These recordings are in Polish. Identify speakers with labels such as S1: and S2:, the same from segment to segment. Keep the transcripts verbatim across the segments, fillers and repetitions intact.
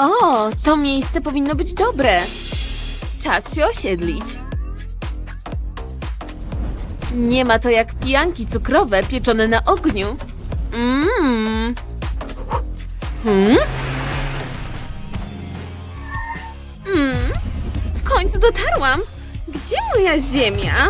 S1: O, to miejsce powinno być dobre. Czas się osiedlić. Nie ma to jak pijanki cukrowe pieczone na ogniu. Mmm. Hmm? Mm. W końcu dotarłam. Gdzie moja ziemia?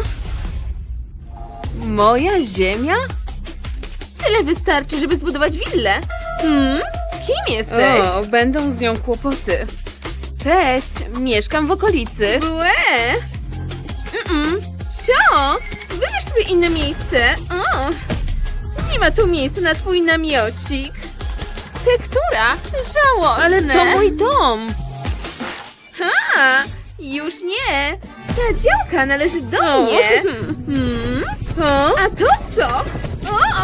S1: Moja ziemia? Tyle wystarczy, żeby zbudować willę. Hmm? Kim jesteś? O, będą z nią kłopoty. Cześć, mieszkam w okolicy. Błe! Mm-mm. Sio! Wybierz sobie inne miejsce. O. Nie ma tu miejsca na twój namiocik. Tektura? Żałosne. Ale to mój dom. Ha! Już nie. Ta działka należy do o. mnie. Hmm? O? A to co? O!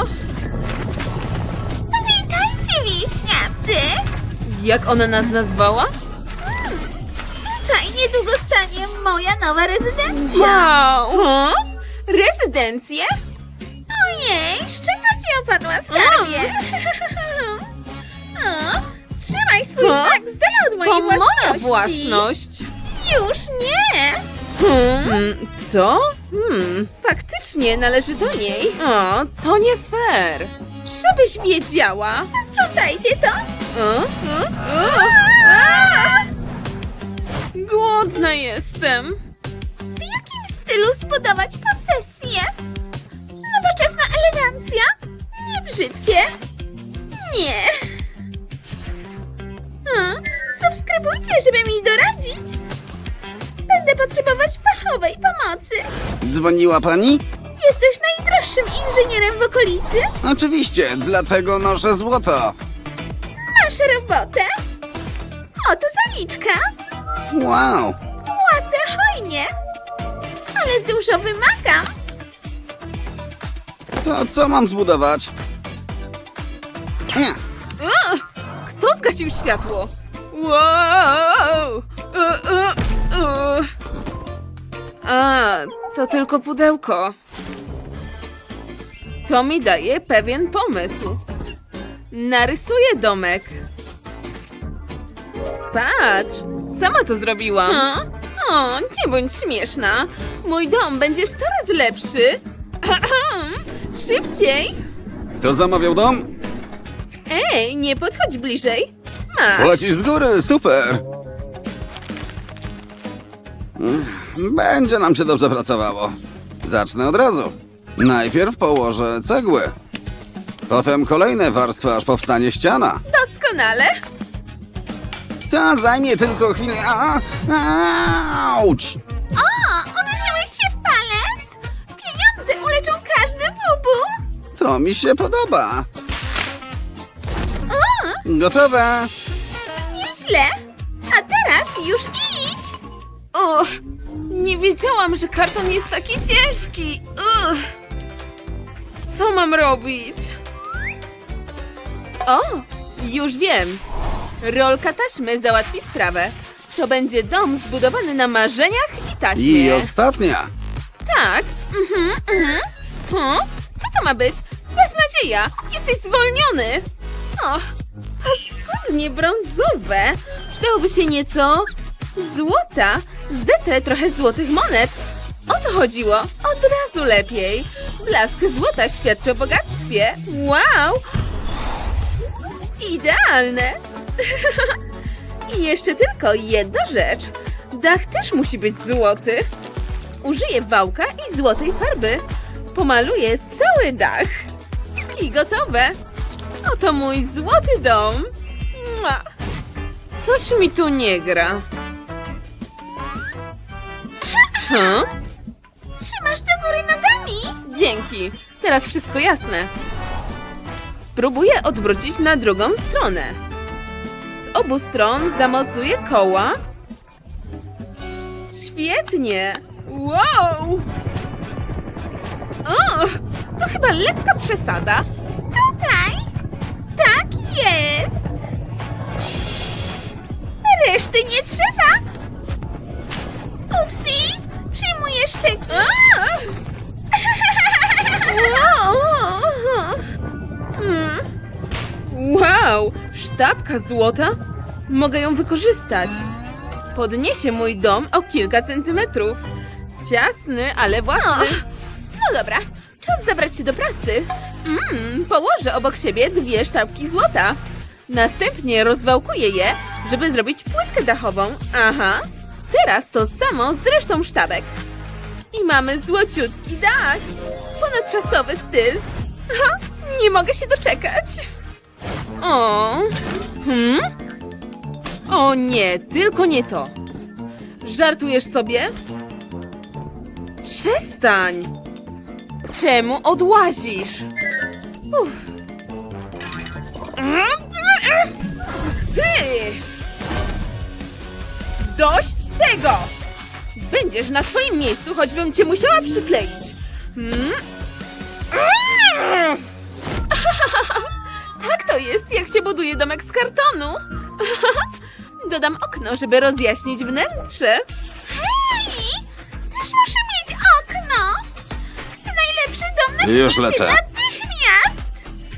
S2: Witajcie, wieśniacy!
S1: Jak ona nas nazwała?
S2: Tutaj niedługo stanie moja nowa rezydencja.
S1: Wow! O? Rezydencję?
S2: Ojej, z czego ci opadła skarbie? O, trzymaj swój
S1: O?
S2: znak z dala od mojej
S1: To
S2: własności.
S1: moja własność.
S2: Już nie!
S1: Hmm, co? Hmm, faktycznie należy do niej. O, to nie fair. Żebyś wiedziała.
S2: Sprzątajcie to!
S1: O, o, o.
S2: A!
S1: Głodna jestem.
S2: W jakim stylu zbudować posesję? Nowoczesna elegancja? Nie brzydkie? Nie. A, subskrybujcie, żeby mi doradzić. Będę potrzebować fachowej pomocy.
S3: Dzwoniła pani?
S2: Jesteś najdroższym inżynierem w okolicy?
S3: Oczywiście, dlatego noszę złoto.
S2: Masz robotę? Oto zaliczka.
S3: Wow,
S2: Płacę hojnie. Ale dużo wymagam.
S3: to co mam zbudować? Nie,
S1: O, kto zgasił światło? Wow! O, o, o. A, to tylko pudełko. To mi daje pewien pomysł. Narysuję domek. Patrz, sama to zrobiłam. O, o, nie bądź śmieszna. Mój dom będzie sto razy lepszy. Szybciej.
S3: kto zamawiał dom?
S1: Ej, nie podchodź bliżej. Masz.
S3: Płacisz z góry, super. Będzie nam się dobrze pracowało. Zacznę od razu. Najpierw położę cegły. Potem kolejne warstwy, aż powstanie ściana.
S1: Doskonale.
S3: Ta zajmie tylko chwilę. A, auć!
S2: O, uderzyłeś się w palec? Pieniądze uleczą każdy bubu.
S3: To mi się podoba. Gotowe.
S2: Nieźle. A teraz już idź.
S1: O, nie wiedziałam, że karton jest taki ciężki. Ugh. Co mam robić? O, już wiem. Rolka taśmy załatwi sprawę. To będzie dom zbudowany na marzeniach i taśmie.
S3: I ostatnia.
S1: Tak. Mhm, mhm. Huh? Co to ma być? Beznadzieja. Jesteś zwolniony. Och, paskudnie brązowe. Przydałoby się nieco złota. Zetrę trochę złotych monet. O to chodziło. Od razu lepiej. Blask złota świadczy o bogactwie. Wow. Idealne. I jeszcze tylko jedna rzecz. Dach też musi być złoty. Użyję wałka i złotej farby. Pomaluję cały dach. I gotowe. Oto mój złoty dom. Mua. Coś mi tu nie gra. Huh?
S2: Trzymasz do góry nogami.
S1: Dzięki. Teraz wszystko jasne. Spróbuję odwrócić na drugą stronę. Z obu stron zamocuję koła. Świetnie. Wow! O, to chyba lekka przesada.
S2: Tutaj. Tak jest. Reszty nie trzeba. Upsi. Przyjmuję szczeki.
S1: Mm. Wow! Sztabka złota? Mogę ją wykorzystać. Podniesie mój dom o kilka centymetrów. Ciasny, ale własny.
S2: No dobra, czas zabrać się do pracy.
S1: Mm, położę obok siebie dwie sztabki złota. Następnie rozwałkuję je, żeby zrobić płytkę dachową. Aha. Teraz to samo z resztą sztabek. I mamy złociutki dach. Ponadczasowy styl. Ha, nie mogę się doczekać. O. Hmm? O nie, tylko nie to. Żartujesz sobie? Przestań. Czemu odłazisz? Uff. Ty! Dość tego! Będziesz na swoim miejscu, choćbym cię musiała przykleić. Hmm? Tak to jest, jak się buduje domek z kartonu. Dodam okno, żeby rozjaśnić wnętrze.
S2: Hej! Też muszę mieć okno! Chcę najlepszy dom na
S3: Już
S2: świecie
S3: lecę.
S2: natychmiast!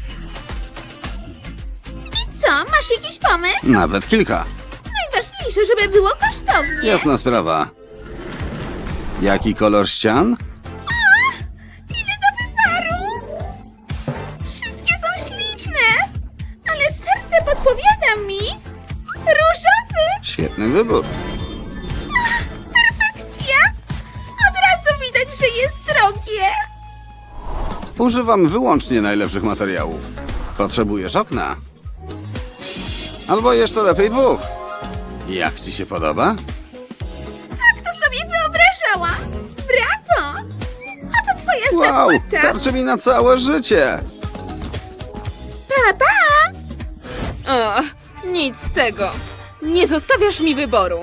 S2: I co, masz jakiś pomysł?
S3: Nawet kilka.
S2: Najważniejsze, żeby było kosztownie.
S3: Jasna sprawa. Jaki kolor ścian?
S2: Ile do wyboru! Wszystkie są śliczne! Ale serce podpowiada mi... różowy!
S3: Świetny wybór.
S2: Perfekcja! Od razu widać, że jest drogie!
S3: Używam wyłącznie najlepszych materiałów. Potrzebujesz okna? Albo jeszcze lepiej dwóch. Jak ci się podoba?
S2: Tak to sobie wyobrażałam! Brawo! A co twoja
S3: Wow,
S2: zapłata?
S3: starczy mi na całe życie.
S2: Pa, pa!
S1: O, nic z tego. Nie zostawiasz mi wyboru.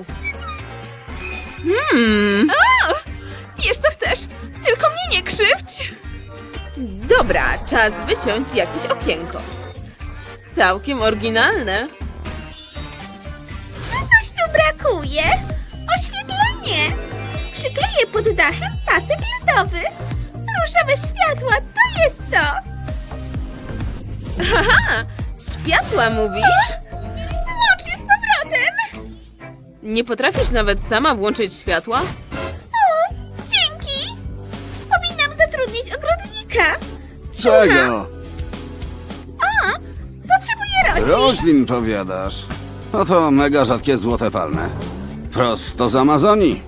S1: Hmm.
S2: O! Wiesz co chcesz, tylko mnie nie krzywdź!
S1: Dobra, czas wyciąć jakieś okienko. Całkiem oryginalne.
S2: Czegoś tu brakuje! Oświetlenie! Przykleję pod dachem pasek ledowy. Różowe światła, to jest to!
S1: Haha, światła mówisz?
S2: Włącz je z powrotem!
S1: Nie potrafisz nawet sama włączyć światła?
S2: O, dzięki! Powinnam zatrudnić ogrodnika. Słucham?
S3: Czego?
S2: O, potrzebuję roślin.
S3: Roślin powiadasz. Oto mega rzadkie złote palmy. Prosto z Amazonii.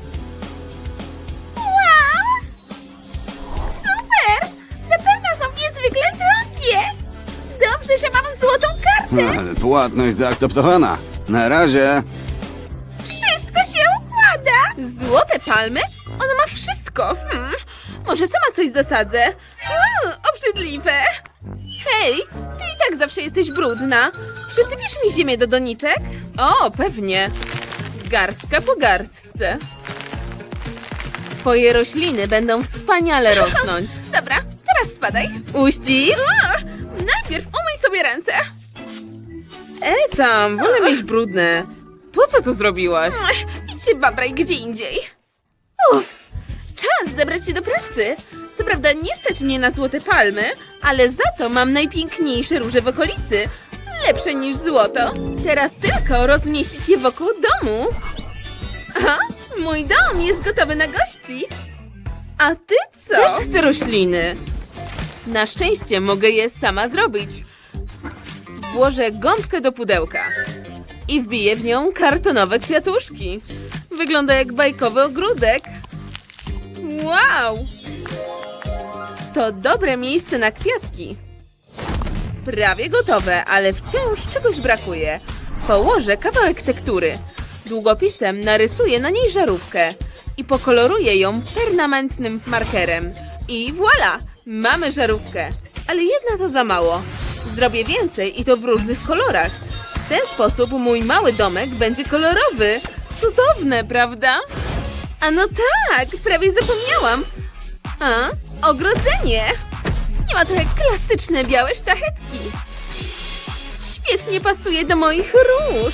S2: Wow! Super! Na pewno są niezwykle drogie. Dobrze, że mam złotą kartę.
S3: Płatność zaakceptowana. Na razie.
S2: Wszystko się układa.
S1: Złote palmy? Ona ma wszystko. Hmm. Może sama coś zasadzę? Uuu, obrzydliwe. Hej, ty i tak zawsze jesteś brudna. Przysypiesz mi ziemię do doniczek? O, pewnie. Garstka po garstce. Twoje rośliny będą wspaniale rosnąć.
S2: Dobra, teraz spadaj.
S1: Uścisk?
S2: O, najpierw umyj sobie ręce.
S1: E tam, wolę mieć brudne. Po co to zrobiłaś?
S2: Ech, Idź się babraj gdzie indziej.
S1: Uff, czas zabrać się do pracy. Co prawda nie stać mnie na złote palmy, ale za to mam najpiękniejsze róże w okolicy. Lepsze niż złoto. Teraz tylko rozmieścić je wokół domu. Aha, mój dom jest gotowy na gości. A ty co? Też chcę rośliny. Na szczęście mogę je sama zrobić. Włożę gąbkę do pudełka i wbiję w nią kartonowe kwiatuszki. Wygląda jak bajkowy ogródek. Wow! To dobre miejsce na kwiatki. Prawie gotowe, ale wciąż czegoś brakuje. Położę kawałek tektury. Długopisem narysuję na niej żarówkę i pokoloruję ją permanentnym markerem. I voilà! Mamy żarówkę. Ale jedna to za mało. Zrobię więcej i to w różnych kolorach. W ten sposób mój mały domek będzie kolorowy. Cudowne, prawda? A no tak, prawie zapomniałam. A, ogrodzenie. Nie ma to jak klasyczne białe sztachetki. Świetnie pasuje do moich róż.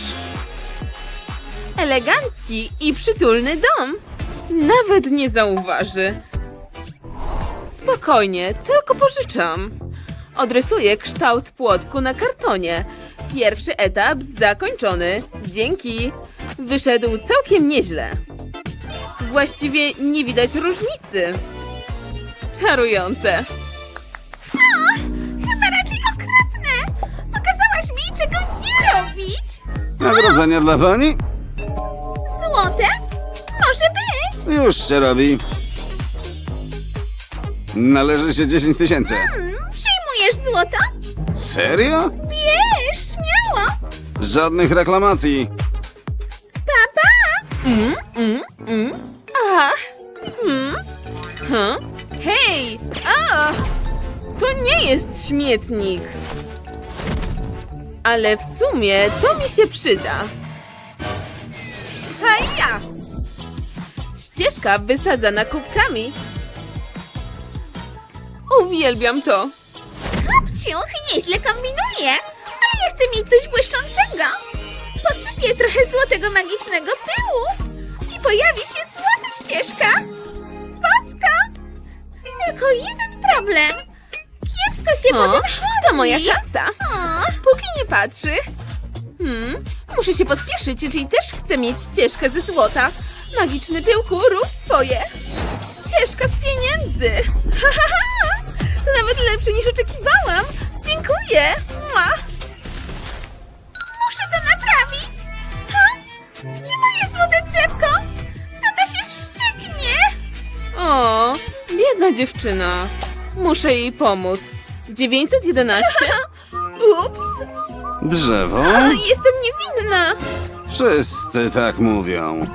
S1: Elegancki i przytulny dom. Nawet nie zauważy. Spokojnie, tylko pożyczam. Odrysuję kształt płotku na kartonie Pierwszy etap zakończony. Dzięki. Wyszedł całkiem nieźle. Właściwie nie widać różnicy. Czarujące.
S2: O, chyba raczej okropne. Pokazałaś mi, czego nie robić.
S3: Nagrodzenie dla pani?
S2: Złote? Może być.
S3: Już się robi. Należy się dziesięć tysięcy.
S2: Hmm, przyjmujesz złoto?
S3: Serio?
S2: Bierz, śmiało.
S3: Żadnych reklamacji.
S2: Pa, pa.
S1: Mm, mm, mm. A. Hmm. Huh? Hej! A! To nie jest śmietnik. Ale w sumie to mi się przyda. Haja! Ścieżka wysadzana kubkami. Uwielbiam to.
S2: Kopciuch nieźle kombinuje, ale ja chcę mieć coś błyszczącego. Posypię trochę złotego magicznego pyłu i pojawi się złota ścieżka. Bosko! Tylko jeden problem. Kiepsko się
S1: O,
S2: potem chodzi.
S1: to moja szansa.
S2: O,
S1: Póki nie patrzy. Hmm, muszę się pospieszyć, czyli też chcę mieć ścieżkę ze złota. Magiczny pyłku, rób swoje. Ścieżka z pieniędzy. Ha, ha, ha. To nawet lepsze niż oczekiwałam. Dziękuję. Mua.
S2: muszę to naprawić. Ha? Gdzie moje złote drzewko? Tata się wścieknie.
S1: O, biedna dziewczyna. Muszę jej pomóc. dziewięćset jedenaście? Ups,
S3: Drzewo?
S1: jestem niewinna.
S3: Wszyscy tak mówią.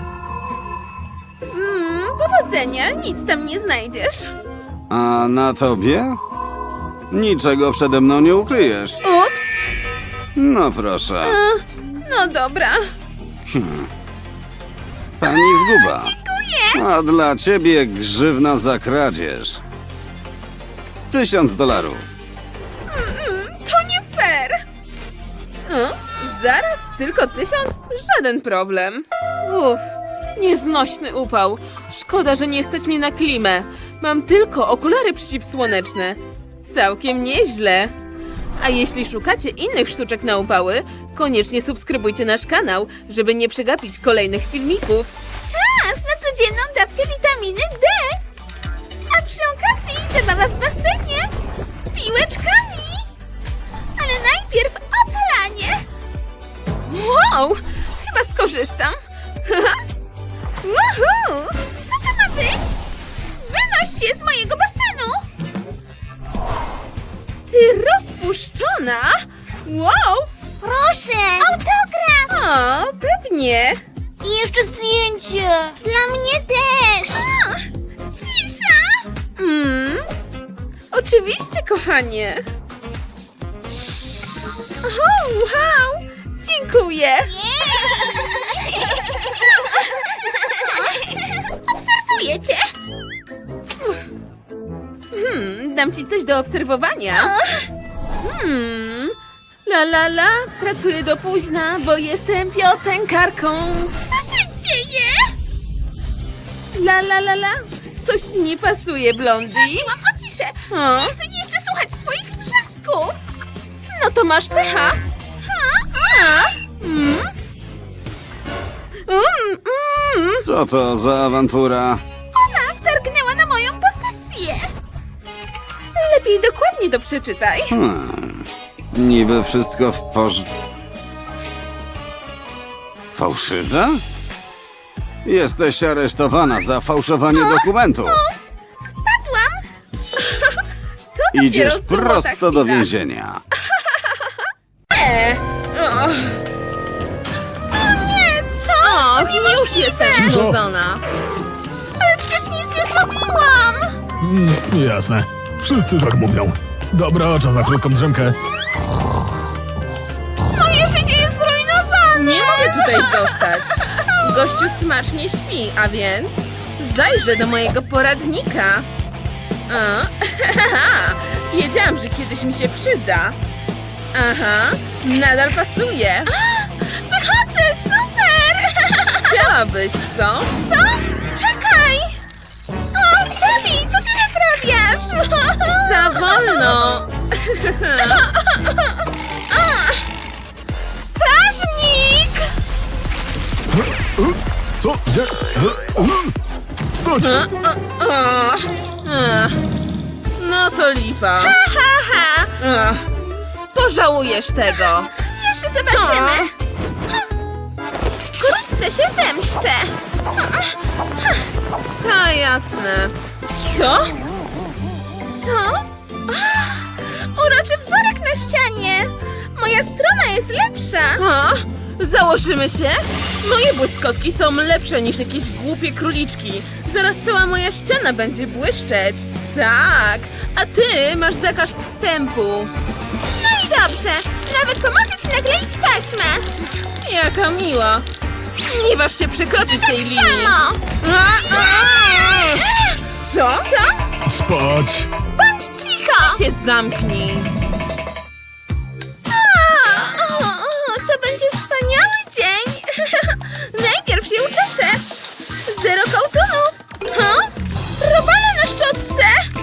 S1: Mm, powodzenia, nic tam nie znajdziesz.
S3: A na tobie? Niczego przede mną nie ukryjesz.
S1: Ups,
S3: No proszę.
S1: no dobra.
S3: Pani zguba.
S2: Dziękuję.
S3: A dla ciebie grzywna za kradzież. Tysiąc dolarów.
S1: To nie fair. O, zaraz tylko tysiąc? Żaden problem. Uff, nieznośny upał. Szkoda, że nie stać mnie na klimę. Mam tylko okulary przeciwsłoneczne. Całkiem nieźle. A jeśli szukacie innych sztuczek na upały, koniecznie subskrybujcie nasz kanał, żeby nie przegapić kolejnych filmików.
S2: Czas na codzienną dawkę witaminy D. A przy okazji zabawa w basenie z piłeczkami. Ale najpierw opalanie.
S1: Wow, chyba skorzystam.
S2: Woohoo! Co to ma być? Wynoś się z mojego basenu.
S1: Ty rozpuszczona? Wow!
S2: Proszę. Autograf.
S1: O, pewnie.
S2: I jeszcze zdjęcie. Dla mnie też. A, cisza.
S1: Mm, oczywiście, kochanie. O, wow! Dziękuję.
S2: Obserwuję cię.
S1: Hmm, dam ci coś do obserwowania. Hmm, la la la, pracuję do późna, bo jestem piosenkarką.
S2: Co się dzieje?
S1: La la la la, coś ci nie pasuje, Blondie.
S2: Prosiłam o ciszę.
S1: O,
S2: Nikt nie chce słuchać twoich wrzasków.
S1: no to masz pecha. A? Mm? Mm, mm.
S3: Co to za awantura?
S2: Ona wtargnęła na moją posesję.
S1: Lepiej dokładnie to przeczytaj.
S3: Hmm. Niby wszystko w porz... Fałszywe? Jesteś aresztowana za fałszowanie dokumentów.
S2: Ups, wpadłam.
S1: To dopiero
S3: Idziesz
S1: złota
S3: prosto do
S1: chwila.
S3: więzienia.
S1: E, o,
S2: O nie, co?
S1: o,
S2: To
S1: już jestem
S2: niemożliwe.
S1: znudzona.
S2: Ale przecież nic nie zrobiłam.
S4: Mm, jasne. Wszyscy tak mówią. Dobra, czas na krótką drzemkę.
S2: Moje życie jest zrujnowane.
S1: Nie mogę tutaj zostać. Gościu smacznie śpi, a więc zajrzę do mojego poradnika. O, wiedziałam, że kiedyś mi się przyda. Aha, nadal pasuje.
S2: Wychodzę, super.
S1: Chciałabyś, co?
S2: Co? Czekaj. O, Sally, co ty naprawiasz?
S1: Za wolno.
S4: Co? Gdzie? Wstać!
S1: Ach, no to lipa.
S2: Haha!
S1: Ach, pożałujesz tego.
S2: Jeszcze zobaczymy. Wkrótce się zemszczę.
S1: Ta jasne. Co?
S2: Co? Ach, uroczy wzorek na ścianie. Moja strona jest lepsza.
S1: A? Założymy się? Moje błyskotki są lepsze niż jakieś głupie króliczki. Zaraz cała moja ściana będzie błyszczeć. Tak, a ty masz zakaz wstępu.
S2: No i dobrze. Nawet pomogę ci nakleić taśmę.
S1: Jaka miła. Nie waż się przekroczyć tej linii.
S2: Samo.
S1: A, a! Co?
S2: Co?
S4: Spać!
S2: Bądź cicho.
S1: Się zamknij.
S2: A, o, o, to będzie wspaniały dzień. Najpierw się uczeszę. Zero kołtunów. Ha? Robale na szczotce.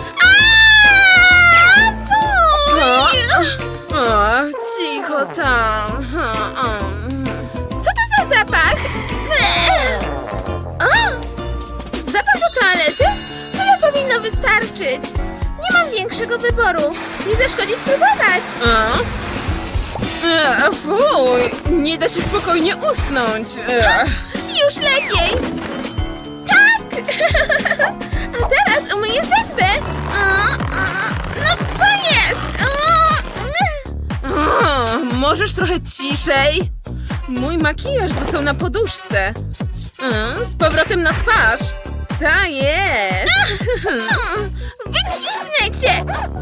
S2: Aaaa!
S1: O,
S2: Fuj!
S1: o, cicho tam. Ha, o.
S2: Co to za zapach? Eee. O! Zapach do toalety? Tyle powinno wystarczyć. Nie mam większego wyboru. Nie zaszkodzi spróbować.
S1: A? E, fuj, nie da się spokojnie usnąć. E.
S2: Już lepiej. Tak! A teraz umyję zęby. O, o, no co jest? O,
S1: A, możesz trochę ciszej? Mój makijaż został na poduszce. A, z powrotem na twarz. Ta jest.
S2: mm, wycisnę cię.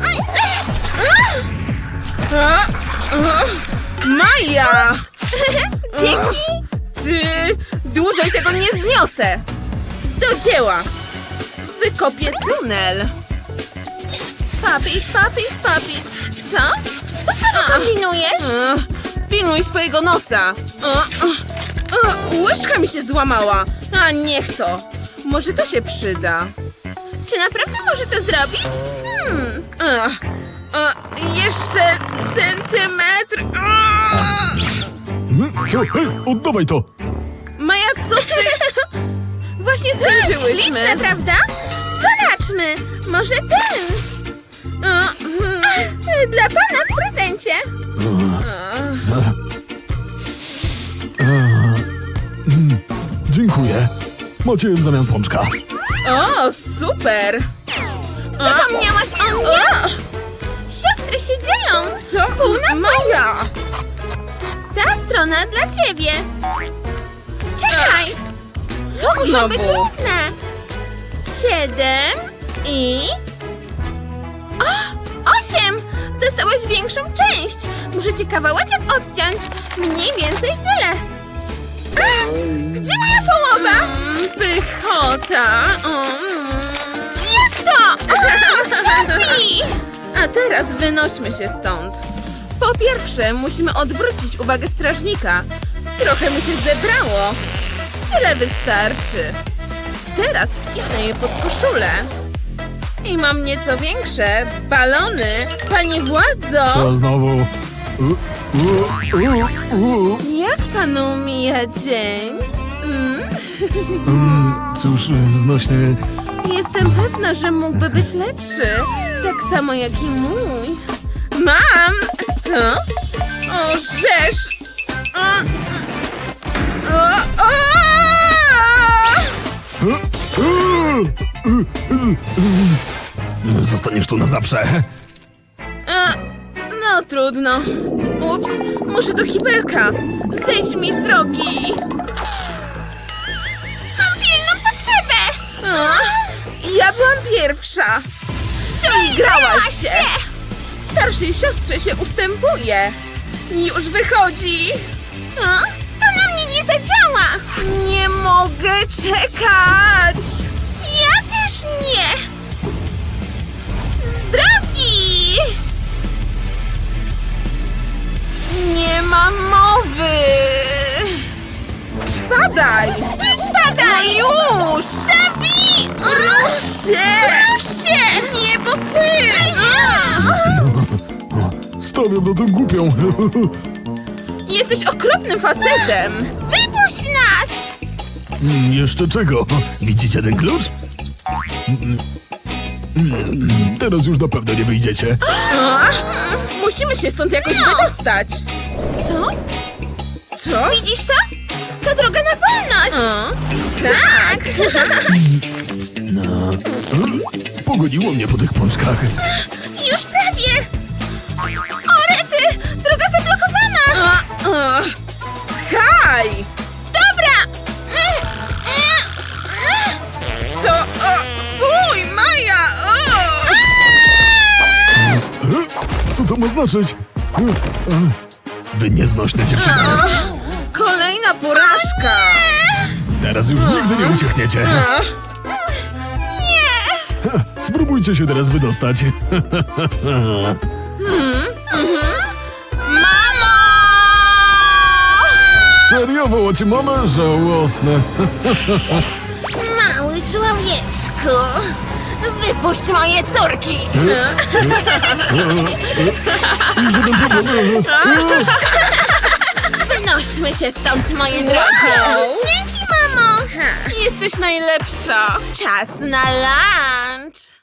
S1: A, a, Maja!
S2: Dzięki.
S1: Ty, dłużej tego nie zniosę. Do dzieła. Wykopię tunel.
S2: Papit, papit, papit. Co? Co sobie kombinujesz?
S1: A, pilnuj swojego nosa. A, a, a, łyżka mi się złamała. A niech to. Może to się przyda.
S2: Czy naprawdę może to zrobić? Hmm.
S1: A, a, jeszcze centymetr. A.
S4: Hmm? Co? Hej, oddawaj to!
S1: Maja, co ty? Właśnie
S2: Śliczne,
S1: skończyłyśmy.
S2: prawda? Zobaczmy. Może ten.
S1: A, mm,
S2: Ach, dla pana w prezencie.
S4: Dziękuję. Macie w zamian pączka.
S1: O, super.
S2: Zapomniałaś o mnie? Siostry się dzielą.
S1: Co?
S2: Pół na pół.
S1: Maja.
S2: Ta strona dla ciebie. Czekaj.
S1: Co
S2: Muszą
S1: znowu?
S2: być równe. Siedem i... O! Osiem! Dostałaś większą część. Muszę ci kawałeczek odciąć. Mniej więcej tyle. A, gdzie moja połowa?
S1: Mm, pychota. Mm.
S2: Jak to? O, Sophie!
S1: A teraz wynośmy się stąd. Po pierwsze, musimy odwrócić uwagę strażnika. Trochę mu się zebrało. Tyle wystarczy. Teraz wcisnę je pod koszulę. I mam nieco większe balony. Panie władzo!
S4: Co znowu? U, u, u, u.
S1: Jak panu mija dzień? Mm?
S4: Mm, cóż, znośny...
S1: Jestem pewna, że mógłby być lepszy. Tak samo jak i mój. Mam! O, o rzesz! O, o, o!
S4: U, u, u, u. Zostaniesz tu na zawsze.
S1: E, No trudno. Ups, muszę do kibelka. Zejdź mi z drogi.
S2: Mam pilną potrzebę.
S1: O, ja byłam pierwsza. Doigrałaś się. Starszej siostrze się ustępuje. Już wychodzi.
S2: O, to na mnie nie zadziała.
S1: Nie mogę czekać.
S2: Ja też nie. Z drogi.
S1: Nie ma mowy. Spadaj.
S2: Ty spadaj.
S1: Już.
S2: Zabij.
S1: Rusz się.
S2: Rusz się.
S1: Nie, bo ty.
S4: Stawiam na tę głupią.
S1: Jesteś okropnym facetem.
S2: Wypuść nas.
S4: Mm, Jeszcze czego? Widzicie ten klucz? Mm, mm, Teraz już na pewno nie wyjdziecie.
S1: Musimy się stąd jakoś wydostać. Co? Co?
S2: Widzisz to? To droga na wolność!
S1: Tak!
S4: No. Pogoniło mnie po tych pączkach.
S2: Już prawie! O, rety! Droga zablokowana!
S1: A, a. Haj!
S2: Dobra!
S1: Co? O, fuj, Maja! O!
S4: E? Co to ma znaczyć? E, e, Wy nieznośne dziewczyny.
S1: Kolejna porażka!
S4: Teraz już nigdy nie uciekniecie.
S1: A,
S4: Spróbujcie się teraz wydostać.
S1: Mamo!
S4: Serio, wołacie mamę? Żałosne.
S2: Mały człowieczku! Wypuść moje córki!
S4: Żaden problem.
S2: Wynośmy się stąd, moje drogie! Dzięki, mamo!
S1: Jesteś najlepsza!
S2: Czas na lunch!